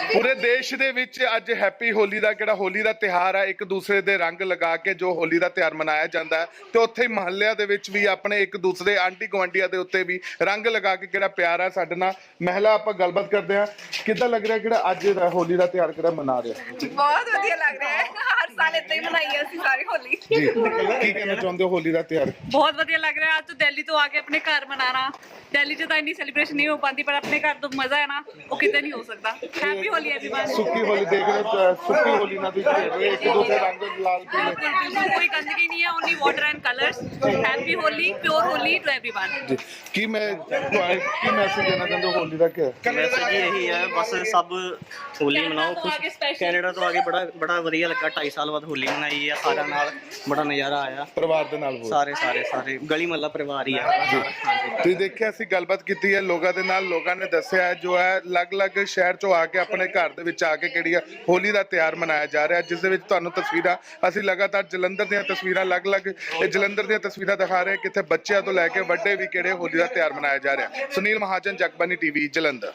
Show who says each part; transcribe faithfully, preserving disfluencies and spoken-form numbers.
Speaker 1: पूरे देश दे विच अज हैप्पी होली का किहड़ा होली का त्योहार है, एक दूसरे दे रंग लगा के जो होली का त्योहार मनाया जाता है, तो उत्थे महल्लिਆਂ ਦੇ ਵਿੱਚ भी अपने एक दूसरे आंटी गुआंढियां ਦੇ ਉੱਤੇ भी रंग लगा के किहड़ा प्यार है। ਸਾਡੇ ਨਾਲ ਮਹਿਲਾ ਆਪਾਂ ਗੱਲਬਾਤ ਕਰਦੇ ਹਾਂ, ਕਿੱਦਾਂ ਲੱਗ ਰਿਹਾ ਕਿਹੜਾ ਅੱਜ ਦਾ ਹੋਲੀ ਦਾ ਤਿਉਹਾਰ ਕਿਹੜਾ ਮਨਾ ਰਹੇ ਹੋ?
Speaker 2: ਬਹੁਤ ਵਧੀਆ ਲੱਗ ਰਿਹਾ ਹੈ, ਹਰ ਸਾਲ ਇਦਾਂ ਹੀ ਮਨਾਈ ਅਸੀਂ ਸਾਰੀ ਹੋਲੀ।
Speaker 1: ਜੀ ਕੀ ਕਹਿਣਾ ਚਾਹੁੰਦੇ ਹੋ ਹੋਲੀ ਦਾ ਤਿਉਹਾਰ?
Speaker 3: ਬਹੁਤ ਵਧੀਆ ਲੱਗ ਰਿਹਾ ਅੱਜ ਤੋਂ ਦਿੱਲੀ ਤੋਂ ਆ ਕੇ ਆਪਣੇ ਘਰ ਮਨਾਣਾ। ਦਿੱਲੀ 'ਚ ਤਾਂ ਇੰਨੀ ਸੈਲੀਬ੍ਰੇਸ਼ਨ ਨਹੀਂ ਹੋ ਪਾਉਂਦੀ, ਪਰ ਆਪਣੇ ਘਰ ਤੋਂ ਮਜ਼ਾ ਹੈ ਨਾ, ਉਹ ਕਿਤੇ ਨਹੀਂ ਹੋ ਸਕਦਾ। Happy Holi everyone.
Speaker 1: सुक्की होली देख रहे हो, सुक्की होली ना भी खेल रहे एक दूसरे रंग लाल पीले।
Speaker 3: बिल्कुल कोई गंदगी नहीं है, only water and colours. Happy Holi, pure Holi to everyone.
Speaker 1: जी की मैं की मैसेज देना चाहते हो होली का? क्या
Speaker 4: मैसेज यही है, बस सब होली मनाओ खुश। कैनेडा तो आगे बड़ा बड़ा ਵਧੀਆ ਲੱਗਾ, ਢਾਈ ਸਾਲ ਬਾਅਦ ਹੋਲੀ ਮਨਾਈ ਹੈ ਸਾਰਿਆਂ ਨਾਲ, ਬੜਾ ਨਜ਼ਾਰਾ ਆਇਆ
Speaker 1: ਪਰਿਵਾਰ ਦੇ ਨਾਲ।
Speaker 4: ਸਾਰੇ ਸਾਰੇ ਸਾਰੇ ਗਲੀ ਮਹੱਲਾ ਪਰਿਵਾਰ ਹੀ ਆ।
Speaker 1: ਤੁਸੀਂ ਦੇਖਿਆ ਅਸੀਂ ਗੱਲਬਾਤ ਕੀਤੀ ਹੈ ਲੋਕਾਂ ਦੇ ਨਾਲ, ਲੋਕਾਂ ਨੇ ਦੱਸਿਆ ਹੈ ਜੋ ਹੈ ਅਲੱਗ-ਅਲੱਗ ਸ਼ਹਿਰ ਚੋਂ ਆ ਕੇ ਆਪਣੇ ਘਰ ਦੇ ਵਿੱਚ ਆ ਕੇ ਕਿਹੜੀ ਆ ਹੋਲੀ ਦਾ ਤਿਉਹਾਰ ਮਨਾਇਆ ਜਾ ਰਿਹਾ, ਜਿਸ ਦੇ ਵਿੱਚ ਤੁਹਾਨੂੰ ਤਸਵੀਰਾਂ ਅਸੀਂ ਲਗਾਤਾਰ ਜਲੰਧਰ ਦੀਆਂ ਤਸਵੀਰਾਂ ਅਲੱਗ-ਅਲੱਗ ਇਹ ਜਲੰਧਰ ਦੀਆਂ ਤਸਵੀਰਾਂ ਦਿਖਾ ਰਹੇ, ਕਿੱਥੇ ਬੱਚਿਆਂ ਤੋਂ ਲੈ ਕੇ ਵੱਡੇ ਵੀ ਕਿਹੜੇ ਹੋਲੀ ਦਾ ਤਿਉਹਾਰ ਮਨਾਇਆ ਜਾ ਰਿਹਾ। ਸੁਨੀਲ ਮਹਾਜਨ, ਜਗਬਾਨੀ ਟੀਵੀ, ਜਲੰਧਰ।